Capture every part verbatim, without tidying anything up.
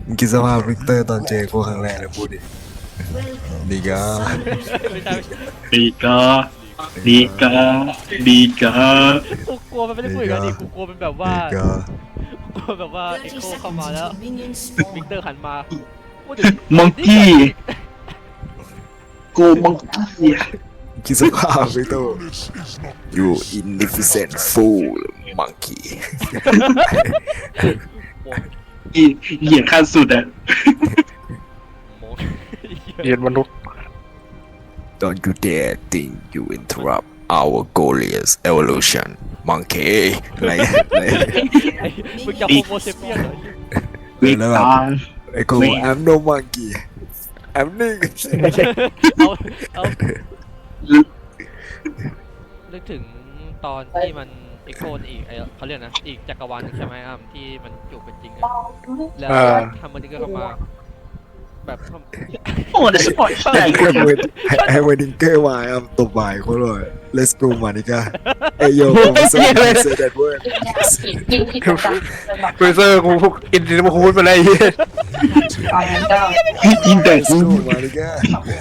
มึงคิดสภาพวิกเตอร์ตอนเจอกูครั้งแรกเลยพูดดิดีกาไม่ใช่ไม่ใช่ดีกาดีกาดีกากูกลัวมันไม่ได้พูดอย่างนั้นดิกูกลัวมันแบบว่าดีกากลัวแบบว่าเอ็กโคเข้ามาแล้ววิกเตอร์หันมาพูดถึมังกี้กูมังกี้คิดสภาพวิกเตอร์ you inefficient fool monkey อีเหยียดขั้นสุดอะโมงเรียนมนุษย์ don't you dare think you interrupt our glorious evolution monkey อะไรอะไรไอ้มึงจะโฮโมเซเปียนเหรอเวกตาไอ้กู I'm no monkey I'm nigga เอาเอานึกถึงตอนที่มันเอ็กโคอีกไอเขาเรียกนะอีกจักรวาลนึงใช่ไหมอ้ำที่มันจูบเป็นจริงอะแล้วทำมันก็เข้ามาแบบทำโอ้เดสปอยเตอร์ไอ้เวดไอ้เวดิงเกอร์มาอ่ะตบบ่ายเขาเลย let's go มานิกาไอ้โยผมไม่ใช่ say that word เฟเซอร์กูอินดิมาคูดไปเลยอินเตอร์ let's go มานิกา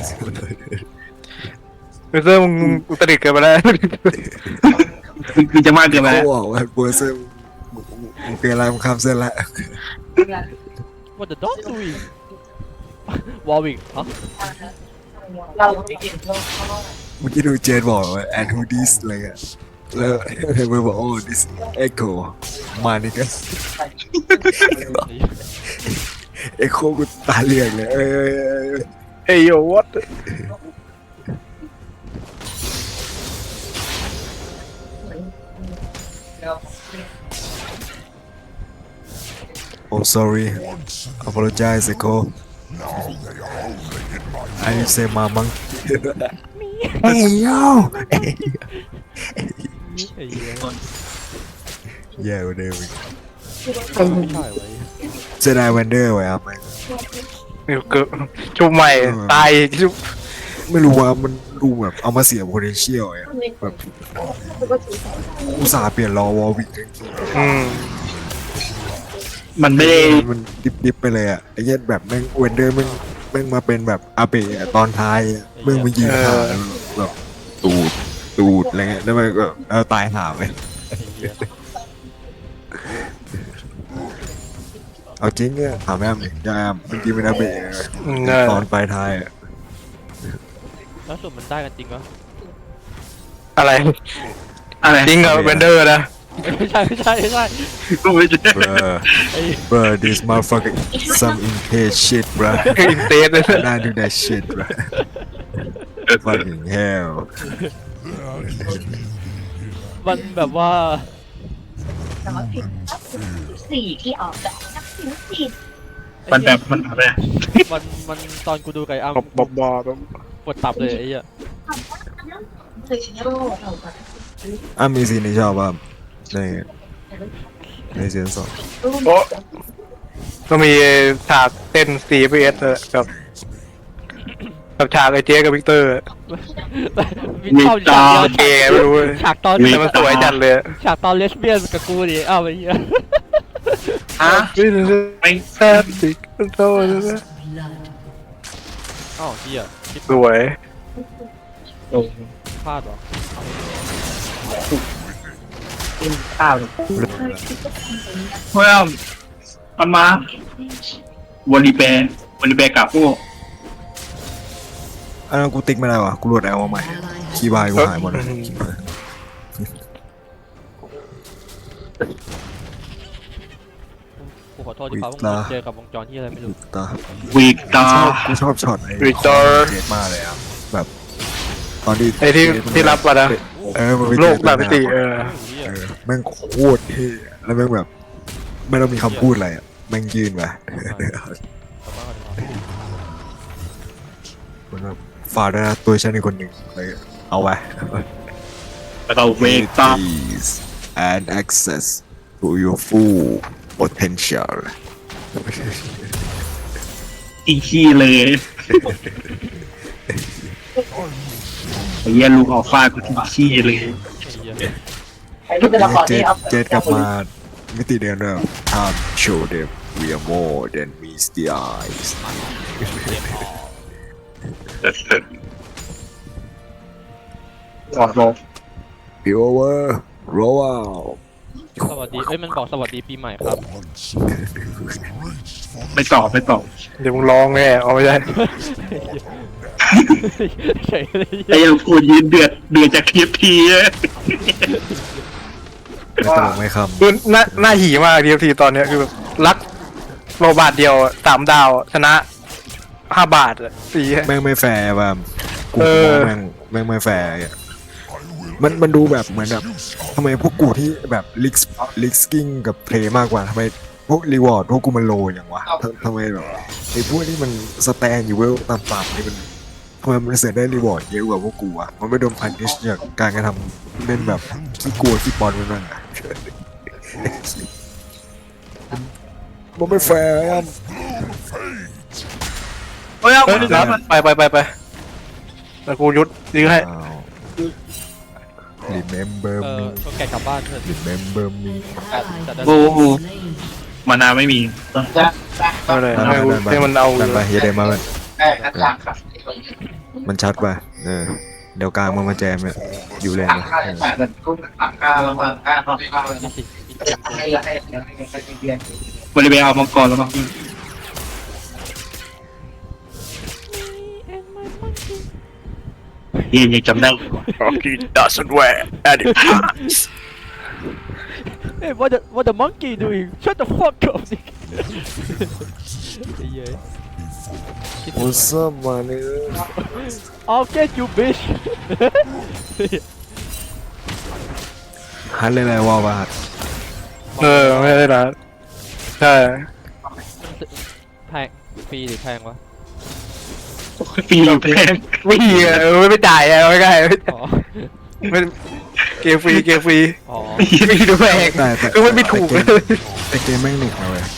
เฟเซอร์มึงอุตริเกินไปแล้วคือจะมากเกินไปเขาแล้วบอกว่าเบอร์เซอร์มึงเป็นอะไรมึงข้ามเส้นละ What the dog doing วอลวิกฮะเมื่อกี้ดูเจนบอกว่า and who this อะไรเงี้ยแล้วเบอร์บอก oh this echo มานิกา echo กูตาเหลือกเลยเอ้ยเฮ้ยโยวัด oh sorry apologize echo I need to say my monkey hey yo ไอ้เหี้ย yeah วันเดิมไม่ใช่ไว้เจไดวันเดอร์ไว้ครับเกิดชุบใหม่ตายชุบไม่รู้ว่ามันดูแบบเอามาเสีย potential อ่ะแบบอุตส่าห์เปลี่ยนรอวอลวิกอืมมันไม่ได้มันดิบๆไปเลยอ่ะไอ้เหี้ยแบบแม่งเวนเดอร์แม่งแม่งมาเป็นแบบอาเปะตอนท้ายอะแม่งมายิงขาแบบตูดตูดอะไรเงี้ยแล้วมันก็เออตายหาไปไอ้เหี้ยเอาจริงเนี่ยถามแม่มยังแอมเมื่อกี้เป็นอาเปะตอนปลายท้ายอ่ะแล้วส่วนมันได้กันจริงวะอะไรอะไรจริงเหรอเบนเดอร์นะไม่ใช่ไม่ใช่ไม่ใช่กูไม่ใช่ bruh ไอ้ bruh this motherfucker some impatient shit bruh อินเตสเลยน่าดู that shit bruh fucking hell มันแบบว่าสี่ที่ออกแบบนักศิลปินมันแบบมันอะไรมันมันตอนกูดูไก่อ้ำบบบบบปวดตับเลยไอ้เหี้ยคือชิโร่เราแบบอ่ะมีซีนที่ชอบป่ะในในซีซั่นสองโอ้ก็มีฉากเต้น ซี พี เอส กับกับฉากไอเจ๊กับวิกเตอร์มีเข้าฉากเดียวเกย์ไม่รู้ฉากตอนแต่มันสวยจัดเลยฉากตอนเลสเบี้ยนกับกูดิอ้าวไอ้เหี้ยฮะไม่แซ่บสิโตเลยอ้าวเหี้ยคิดสวยพลาดเหรอข้าวเฮ้ยมันมาวันรีแปรวันรีแปรกับพวกอันนั้นกูติ๊กไม่ได้ว่ะกูโหลดแอลมาใหม่คีย์บายกูหายหมดเลยคีย์บายกูขอโทษที่พาพวกมึงเจอกับวงจรที่อะไรไม่รู้ตาวีกตาชอบกูชอบช็อตไอ้วิกเตอร์เจดมากเลยอ่ะแบบตอนที่ไอที่ที่รับมานะเออมันไปโลเจกแบบมิติเออเหี้ยเออแม่งโคตรเท่อะแล้วแม่งแบบไม่ต้องมีคำพูดอะไรอ่ะแม่งยืนไปมันแบบฝากด้วยนะตัวฉันอีกคนหนึ่งเลยเอาไว้แล้วก็เวกตา Please and access to your full potential อีขี้เลยไอ้เหี้ยลูกออกฟากูที่ขี้เลยไอ้เหี้ยไอ้ที่เป็นละครเจที่ดเอาเจดกลับมามิติเดิมด้วย time show them we are more than misty eyes ก่อนโล Power roll out สวัสดีเอ้ยมันบอกสวัสดีปีใหม่ครับไม่ตอบไม่ตอบเดี๋ยวมึงร้องแน่เอาไม่ได้เฉยเลยไอ้ยังกูยืนเดือดเดือดจากทีทีเลยไม่ตลกไม่คคือหน้าหน้าหีมากทีทีตอนเนี้ยคือแบบรักโรบาทเดียวอะสามดาวอะชนะห้าบาทอะสี่ำแม่งไม่แฟร์ว่ะกูเออแม่งแม่งไม่แฟร์อะมันมันดูแบบเหมือนแบบทำไมพวกกูที่แบบลิกลิกสกิ้งกับเพลย์มากกว่าทำไมพวกรีวอร์ดพวกกูมันโลอย่างวะทำทำไมแบบไอ้พวกที่มันสแตนอยู่เวลต่ำๆนี่มันทำไมมันเสียได้รีวอร์ดเยอะกว่าพวกกูอะมันไม่โดนพันนิชจากการกระทำเล่นแบบขี้กลัวขี้ปอนมันนั่นอะมันไม่แฟร์อะเฮ้ยเอาเอ้ยคนแล้วนั้นไปไปไปไปแต่กูยุดยื้อให้อ้าว remember เออ me ก็แกกลับบ้านเถอะ remember me แต่แต่บูบูมานาไม่มีไม่เลยดันให้ไปกูดันไปให้มันเอาดันไปอย่าเดนมามันมันชัดป่ะเออเดี๋ยวกลางมันมาแจมเนี่ยอยู่เลยนะเออนี่สิอีกเกมกูบริเวณเอามังกรแล้วมั้งเย็นยังจำได้ Rocky doesn't wear any pants เอ้ย what the what the monkey doing shut the fuck up สิไอ้เหี้ยคิดถึง What's up มาเนี่ย I'll get you bitch ฮันเลยอะไรวะวะเออไม่ได้นะใช่แพงฟรีหรือแพงวะปีแพงไม่มีอะเออไม่จ่ายอะไม่ได้ไม่อ๋อไม่เกมฟรีเกมฟรีอ๋อไม่ดูแพงแต่แต่คือมันไม่ถูกเลยแต่เกมแม่งหนุกนะเว้ย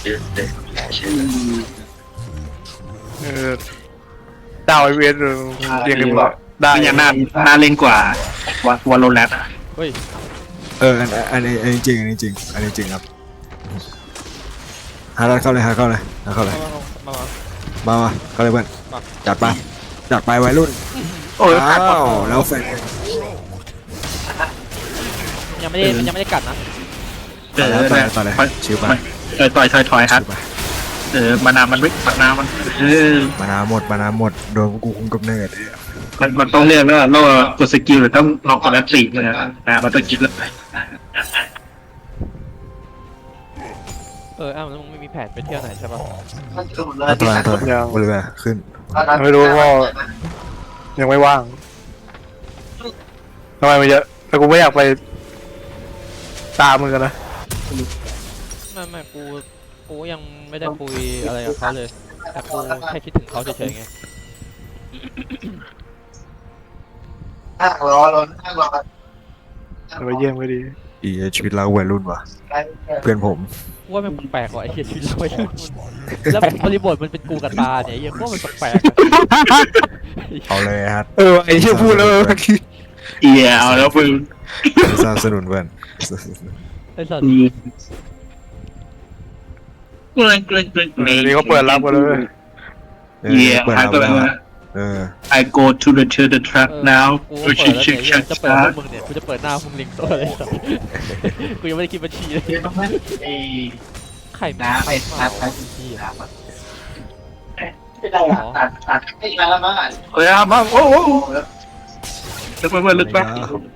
เออดาวไอเวนเรียกกันว่าได้ได้ยังน่าน่าเล่นกว่าว่าวันโลแรตเฮ้ยเอออันอันนี้อันนี้จริงอันนี้จริงอันนี้จริงครับฮาร์ดเข้าเลยฮาร์ดเข้าเลยฮาร์ดเข้าเลยมามามามาเข้าเลยเพื่อนมาจัดไปจัดไปวัยรุ่นโอ้ยอ้าวแล้วแฟนยังไม่ได้มันยังไม่ได้กัดนะเออต่อเลยต่อเลยชิวไปเออต่อยถอยถอยครับชิวไปเออมานามันไม่มานามันเออมานาหมดมานาหมดโดนกูคุมกำเนิดเนี่ยมันมันต้องเรียกแล้วเรากดสกิลหรือต้องลองกดแอตติกเลยนะนะมันต้องคิดแล้วเอออ้าวแล้วมึงไม่มีแผนไปเที่ยวไหนใช่ปะอันตรายอันตรายบริเวณขึ้นไม่รู้ว่ายังไม่ว่างทำไมมันเยอะแต่กูไม่อยากไปตามมึงกันนะไม่ไม่กูกูยังไม่ได้คุยอะไรกับเขาเลยแต่กูแค่คิดถึงเขาเฉยๆไงอ่ะรอรออ่ะรอไปเยี่ยมก็ดีอีชีวิตเราวัยรุ่นว่ะเพื่อนผมว่ามันแปลกๆว่ะไอ้เหี้ยชีวิตเราเนี่ยแล้วบริบทมันเป็นกูกับตาเนี่ยไอ้เหี้ยว่ามันแปลกๆอะเอาเลยฮะเออไอ้เชี่ยพูดแล้วเมื่อกี้เอียเอาแล้วมึงสนับสนุนเพื่อนไอ้สัตว์เกรงเกรงเกรงนี่เขาเปิดรับกันเลยเออเอียเปิดหายเอาตัวแล้วมาเออ I go to the to the truck เออ now กูเปิดแล้วเนี่ยไอ้เหี้ยจะเปิดพวกมึงเนี่ยกูจะเปิดหน้าพวกมึงลิงตัวเลยสัตว์กูยังไม่ได้คิดบัญชีเลยไอ้ไข่น้ำไปเมาตัดไปเหี้ยไม่ได้ตัดตัดไม่มาละมั้งเฮ้ยมาโอ้โหลึกไปเพื่อนลึกไป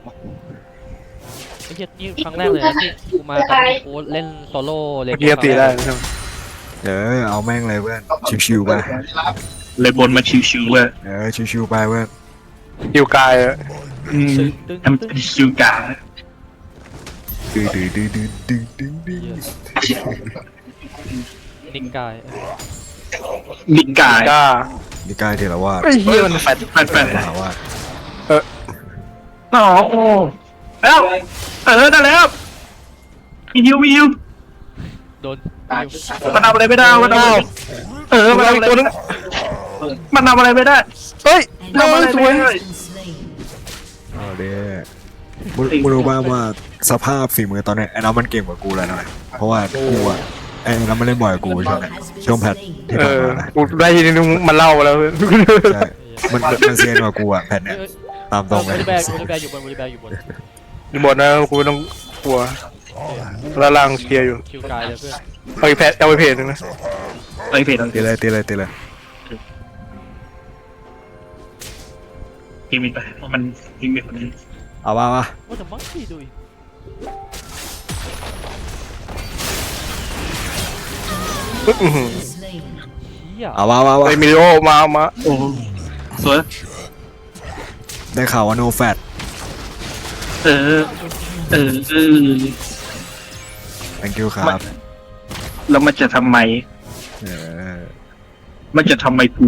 ไอ้เหี้ยนี่ครั้งแรกเลยนะที่กูมากับกูเล่นโซโล่เลยเมื่อกี้ตีได้ใช่ไหมเออเอาแม่งเลยเพื่อนชิวๆไปเลยบนมาชิวๆเลยเออชิวๆไปเพื่อนฮิวกายอะอืมตึ้งทำตึ้งเป็นชิวกาดื้อดื้อดื้อดื้อดื้อดื้อดื้อนิกกายลิกายก้านี่กายเทรวาสไอ้เหี้ยมันแฟดแฟนแฟนมหาวาสอ๋อโอ้แล้วเออได้แล้วมีฮิวมีฮิวโดนมันทำอะไรไม่ได้มันทำอะไรเออมันทำอะไรไม่ได้มันทำอะไรไม่ได้เฮ้ยทำอะไรสวยไม่ได้เอาเด้มึงมึงรู้บ้างว่าสภาพฝีมือตอนเนี้ยไอ้น้องมันเก่งกว่ากูแล้วนะเพราะว่ากูอะไอไอ้เราไม่เล่นบ่อยกับกูช่วงช่วงแพทที่เอผ่านอมานะกูได้ยินนึงมันเล่ามาแล้วใช่มันมันมันเซียนกว่ากูอะแพทเนี่ยเอ้ยตามตรงบเลยริแบกบริแบกอยู่บนบริแบกอยู่บนอยู่บนนะกูไม่ต้องกลัวแล้วล่างเคลียร์อยู่คิวกายเลยเพื่อนเอาอีกแพทเอาไปเพจนึงนะไอ้เพจตีเลยตีเลยตีเลยพิมพ์ไปเพราะมันพิมพ์คนนี้เอาว่ามาว่าแต่มังคีดูอีกอื้อหือเฮียเอาว่าว่าว่าไอมิโอมามาโอ้สวยได้ข่าวว่าโนแฟตเออเออเออ thank you ครับแล้วมันจะทำไมเออมันจะทำไมกู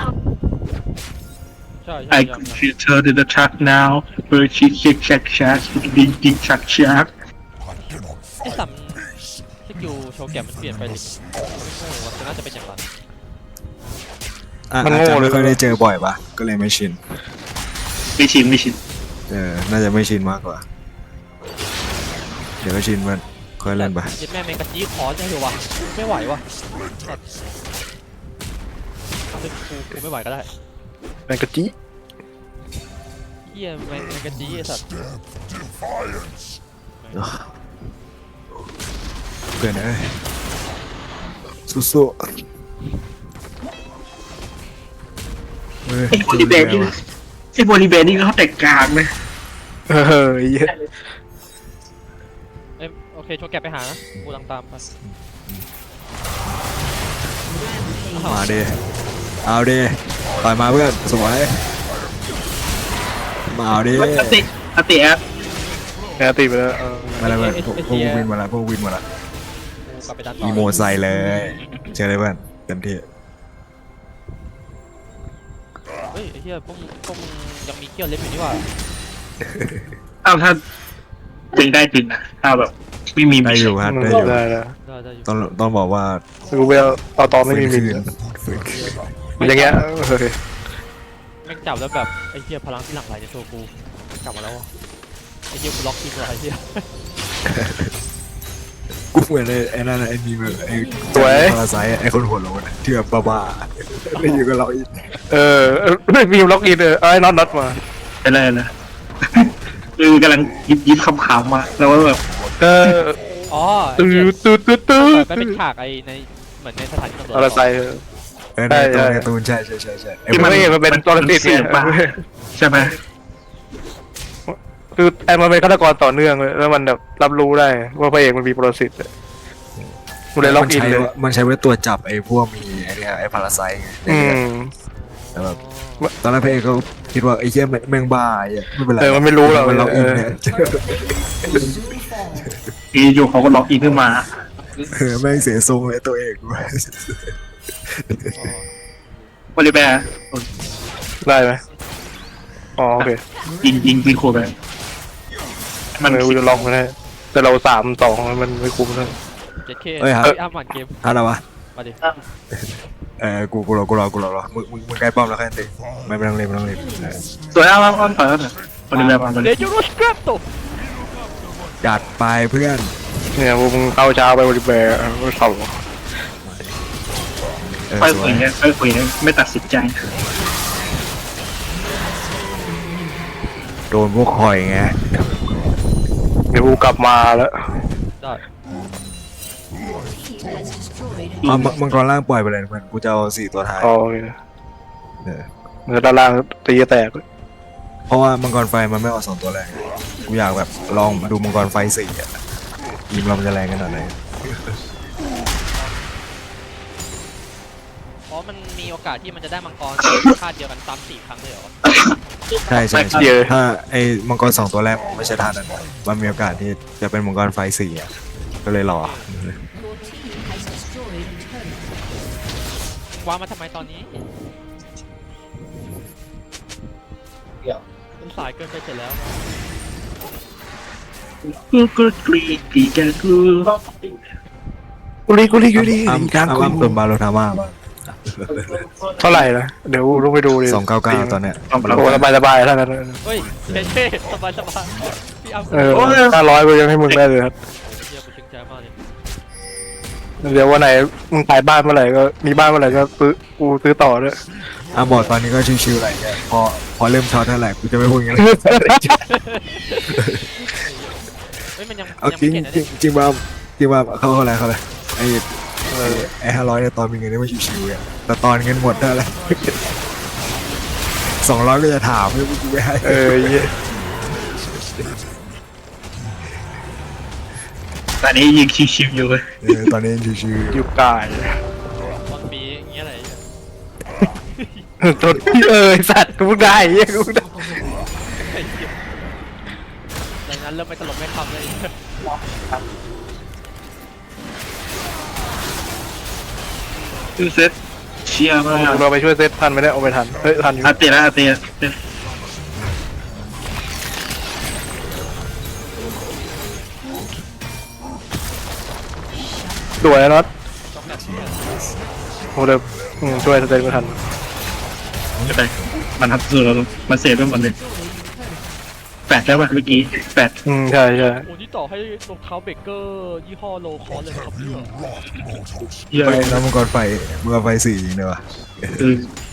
ใช่ใช่ I ใช่ could feel her in the truck now where she shake shack shack ding ding shack shack ไอ้สัมสกิลโชว์แกมมันเปลี่ยนไปดิโอ้โหมันน่าจะเป็นอย่างนั้นอ่ะอาจจะไม่ค่อยได้เจอบ่อยปะก็เลยไม่ชินไม่ชินไม่ชินเออน่าจะไม่ชินมากกว่า เดี๋ยวก็ชินมันค่อยเล่นไปยัดแม่แมงกะจี้ขอได้เหรอวะไม่ไหววะทำเป็นกูกูไม่ไหวก็ได้แมงกะจิเฮียแมงแมงกะจี้ไอ้สัตว์เกินเอ้ยสู้ๆเฮ้ยไอ้บริแบนนี่ไอ้บริแบนนี่เขาแต่งกลางเลยเออเหี้ยเอ้ยโอเคโชว์แกมไปหานะกูลังตามไปมาดิเอาดิต่อยมาเพื่อนสวยมาเอาดิอติอติแอปแอตตีไปแล้วเออมาแล้วเพื่อนพวกพวกวินมาแล้วพวกวินมาแล้วกูกลับไปดันต่ออีโมใส่เลยเจอเลยเพื่อนเต็มที่เฮ้ยไอ้เฮียพวกมึงพวกมึงยังมีเกี้ยวเล็บอยู่นี่หว่าอ้าวถ้าจริงได้จริงนะถ้าแบบไม่มีได้อยู่ฮะได้อยู่ได้แล้วได้ได้อยู่ต้องต้องบอกว่ากูไปเอาเอาตอนไม่มีมิฟื้นนฟื้นคืนอย่างเงี้ยเฮ้ยแม่งจับแล้วแบบไอ้เฮียพลังที่หลั่งไหลในตัวกูกลับมาแล้ววะไอ้เฮียกูล็อกทีมเลยไอ้เฮียกูเหมือนไอ้ไอ้นั่นน่ะไอ้มีแบบไอ้พาราไซไอ้คนหัวโล้นอะที่แบบบ้าๆได้อยู่กับเราอีกเออไม่มีล็อกอินเออไอ้น็อตน็อตมาไปเลยนะคือกำลังยิบยิบคำขำมาแล้วว่าแบบเอออ๋อไอ้ตื้เหี้ยอตื้อตื้อตื้อมันเป็นฉากไอ้ในเหมือนในสถานีตำรวจอะไรใส่เออในตัวในตูนใช่ใช่ใช่ใช่ไอ้ที่มันไม่เห็นมันเป็นตัวติดเสียงป่ะใช่ไหมคือไอ้มันเป็นฆาตกรต่อเนื่องเลยแล้วมันแบบรับรู้ได้ว่าพระเอกมันมีปรสิตมันเลยล็อกอินใช้เลยมันใช้ไว้ตัวจับไอ้พวกมีไอ้เนี่ยไอ้พาราไซไงอืมแต่แบบตอนแรกพระเอกก็คิดว่าไอ้เหี้ยแม่งแม่งบ้าไอ้เหี้ยไม่เป็นไรเออมันไม่รู้หรอกมันล็อกอินเออเนี่ยทีอยู่เขาก็ล็อกอินขึ้นมาเออแม่งเสียทรงเลยตัวเอกด้วยบริแบร์ได้ไหมอ๋อโอเคยิงยิงยิงโคไปมันมันเลยจะลองไม่ได้แต่เราสามสองมันไม่คุ้มเลยเจ็ดเคเอ้ยครับอ้ามหวานเกมอะไรวะมาดิเออกูกูรอกูรอกูรอรอมึงมึงมึงใกล้ป้อมแล้วแค่นั้นเองไม่ไม่ต้องเล่นไม่ต้องเล่นเออสวยอ้าวอ้าวอ้าวถอยแล้วเถอะบริแบร์มาบริเดแบร์จูโรสครับตัวจัดไปเพื่อนเนี่ยพวกมึงเข้าเช้าไปบริเวณก็เข่าเออค่อยสวคุยยเนี่ยค่อยคุยเนี่ยไม่ตัดสินใจโดนพวกคอยไงเดี๋ยวกูกลับมาแล้วได้เอามังมังกรล่างปล่อยไปเลยเพื่อนกูจะเอาสี่ตัวท้ายอ๋อโอเคเออเนื้อด้านล่างตีแตกเพราะว่ามังกรไฟมันไม่ออกสองตัวแรงกูอยากแบบลองดูมังกรไฟสี่อ่ะทีมเรามันจะแรงขนาดไหนอ๋อมันมีโอกาสที่มันจะได้มังกรคาดเดียวกันซ้ำสี่ครั้งเลยเหรอใช่ใช่ใช่ถ้าไอ้มังกรสองตัวแรกไม่ใช่ท่านั้นนะมันมีโอกาสที่จะเป็นมังกรไฟสี่อ่ะก็เลยรอวางมาทำไมตอนนี้เดี๋ยวมันสายเกินไปเสร็จแล้วกูกูกรีดกรีดแกกูกุลีกุลีกุลีอ้ำกลางอ้ำกุอ้ำเติมบาโลทาม่าบ้างเท่าไหร่นะเดี๋ยวต้องไปดูดิสองเก้าเก้าตอนเนี้ยโอ้สบายสบายเท่านั้นเฮ้ยเท่ๆสบายสบายพี่อ้ำเออห้าร้อยกูยังให้มึงได้เลยครับเฮียกูชื่นใจมากเลยเดี๋ยววันไหนมึงขายบ้านเมื่อไหร่ก็มีบ้านเมื่อไหร่ก็ซื้อกูซื้อต่อด้วยอ่ะบอกตอนนี้ก็ชิวๆอะไรเงี้ยพอพอเริ่มช็อตเท่าไหร่กูจะไม่พูดอย่างนี้เฮ้ยมันยังเอายังจริไม่งเห็นนะจริเนี่ยงจริงว่าจริงว่าเขาเขาอะไรเขาอะไรไอ้ไอ้ห้าร้อยเนี่ยตอนมีเงินนี่มันชิวๆอ่ะแต่ตอนเงินหมดเท่าไหร่ สองร้อยก็จะถามไม่กูไม่ให้เออเหี้ยตอนนี้ยิงชิวๆอยู่เลยเออตอนนี้ยังชิวๆอยู่กายตอนปีอย่างเงี้ยอะไรเนี่ยจนเออไอ้สัตว์กูเพิ่งได้เหี้ยกูเพิ่งได้ไอ้เหี้ยดังนั้นเริ่มไม่ตลกไม่คำเลยซื้อเซตเชียร์มากเราไปช่วยเซตทันไม่ได้เอาไปทันเฮ้ยทันอยู่อาเตียนะอาเตียเตียสวยนะน็อตต้องแบบนี้โอ้เดี๋ยวอืมช่วยเซตไม่ทันจะไปมันทับสุดแล้วมันเซฟไปหมดเลยแปดแล้วป่ะเมื่อกี้แปดอืมใช่ใช่โอ้นี่ต่อให้รองเท้าเบเกอร์ยี่ห้อโลคอสเลยนะครับเนี่ยเยอะไปแล้วมังกรไฟมังกรไฟสี่จริงเลยวะคือ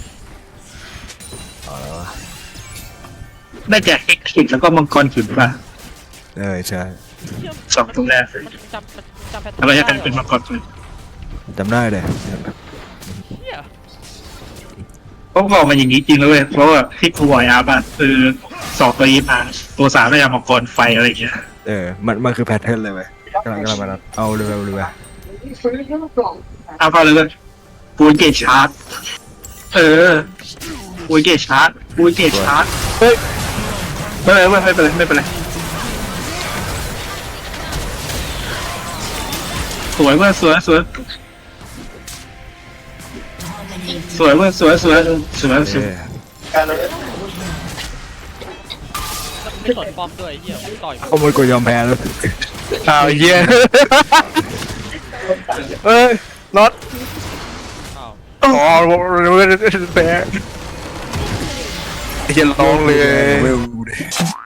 ได้แจกเอ็กซ์คิดแล้วก็มังกรขืนป่ะเออใช่เหี้ยสองตัวแรกมันจำมันจำแพทเทิร์นอะไรได้จะกันหรอเป็นมังกรขืนจำได้เลยเหี้ยเพราะบอกมาอย่างนี้จริงเลยเว้ยเพราะว่าที่ครูบอยอาร์บัตคือสองตัวนี้มาตัวสามได้ยังมังกรไฟอะไรอย่างเงี้ยเออมันมันคือแพทเทิร์นเลยเว้ยกำลังกำลังมานัดเอาเร็วๆเร็วเอาเข้าเลยเลยปูนเกตชาร์จเออปูนเกตชาร์จปูนเกตชาร์จเฮ้ยไม่เป็นไรไม่เป็นไรไม่เป็นไรสวยเว้ยสวยสวยสวยเว้ยสวยสวยสวยๆสเอวยอไม่สนป้อมด้วยไอ้เหี้ยต่อยเขาไม่กดยอมแพ้แล้วอ้าวเหี้ยเอ้ยน็อตอ้าวอ๋อแพ้ไอ้เหี้ยร้องเลยเวลดูดิ